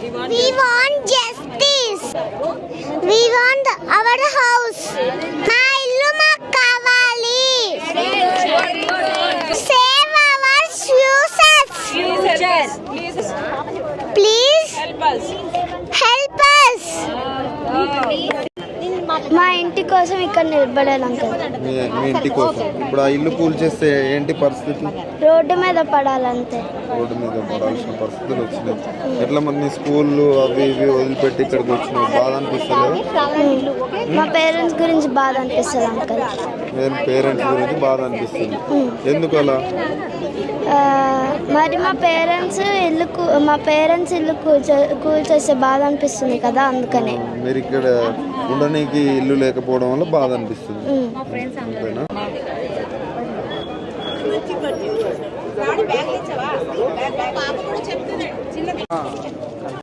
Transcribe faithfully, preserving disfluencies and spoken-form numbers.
We want justice. We want our house. మా ఇల్లు మాకు కావాలి. Save our futures. Please help us. Help us. మా ఇంటి కోసం ఇక్కడ నిలబడాలి అంకుల్. మీ మీ ఇంటి కోసం ఇప్పుడు ఆ ఇల్లు కూల్చేస్తే ఏంటి పరిస్థితి? రోడ్డు మీద పడాలంతే. రోడ్డు మీద పడాల్సిన పరిస్థితులు వచ్చినాయి. ఎట్లా మరి నీ స్కూళ్ళు అవి ఇవి వదిలిపెట్టి ఇక్కడికి వచ్చినావు, బాధ అనిపిస్తలేదు? మా పేరెంట్స్ గురించి బాధ అనిపిస్తుంది అంకుల్. నేను పేరెంట్స్ గురించి బాధ అనిపిస్తుంది. ఎందుకు అలా? మరి మా పేరెంట్స్ ఇల్లు మా పేరెంట్స్ ఇల్లు కూల్చే కూల్చేస్తే బాధ అనిపిస్తుంది కదా, అందుకనే. మీరు ఇక్కడ ఉండడానికి ఇల్లు లేకపోవడం వల్ల బాధ అనిపిస్తుంది, అంతేనా?